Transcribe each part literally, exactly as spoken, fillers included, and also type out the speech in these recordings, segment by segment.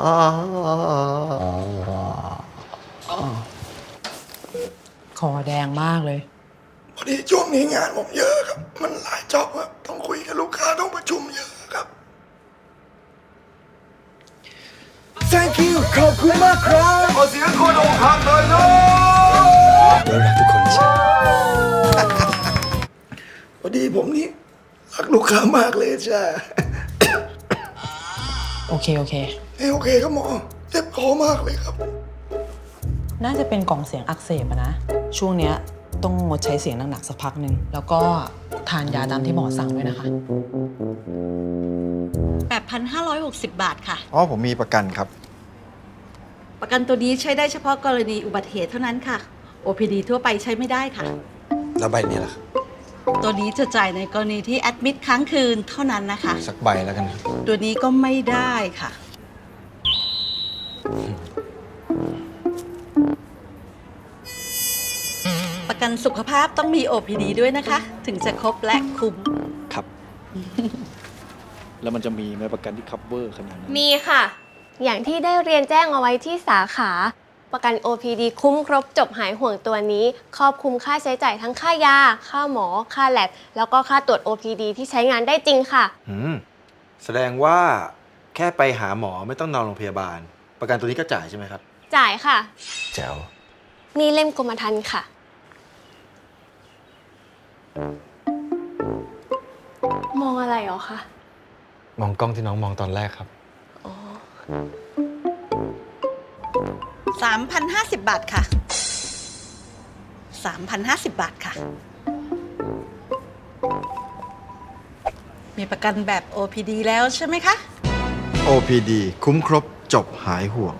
คอแดงมากเลยพอดีช่วงนี้งานผมเยอะครับมันหลายจ็อบครับต้องคุยกับลูกค้าต้องประชุมเยอะครับ Thank you ขอบคุณมากครับขอเสียงคนอกหักหน่อยนะเรารักทุกคนใช่พอดีผมนี่รักลูกค้ามากเลยจ้าโอเคโอเคเอ้โอเคครับหมอเจ็บคอมากเลยครับน่าจะเป็นกล่องเสียงอักเสบนะช่วงเนี้ยต้องงดใช้เสียงหนักๆสักพักหนึ่งแล้วก็ทานยาตามที่หมอสั่งด้วยนะคะแปดพันห้าร้อยหกสิบ บาทค่ะอ๋อผมมีประกันครับประกันตัวนี้ใช้ได้เฉพาะกรณีอุบัติเหตุเท่านั้นค่ะ โอ พี ดี ทั่วไปใช้ไม่ได้ค่ะแล้วใบนี้ล่ะครับตัวนี้จะจ่ายในกรณีที่แอดมิดค้างคืนเท่านั้นนะคะสักใบแล้วกันตัวนี้ก็ไม่ได้ค่ะประกันสุขภาพต้องมี โอ พี ดี ด้วยนะคะถึงจะครบและคุ้มครับ แล้วมันจะมีไหมประกันที่ cover ขนาดนั้นมีค่ะอย่างที่ได้เรียนแจ้งเอาไว้ที่สาขาประกัน โอ พี ดี คุ้มครบจบหายห่วงตัวนี้ครอบคลุมค่าใช้จ่ายทั้งค่ายาค่าหมอค่าแลบแล้วก็ค่าตรวจ โอ พี ดี ที่ใช้งานได้จริงค่ะอืมแสดงว่าแค่ไปหาหมอไม่ต้องนอนโรงพยาบาลประกันตัวนี้ก็จ่ายใช่ไหมครับจ่ายค่ะแจ๋วนี่เล่มกรมธรรม์ค่ะมองอะไรหรอคะมองกล้องที่น้องมองตอนแรกครับอ๋อสามพันห้าสิบ บาทค่ะ สามพันห้าสิบ บาทค่ะมีประกันแบบ โอ พี ดี แล้วใช่ไหมคะโอ พี ดี คุ้มครบจบหายห่วง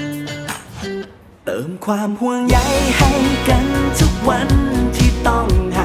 เติมความห่วงใยให้กันทุกวันที่ต้อง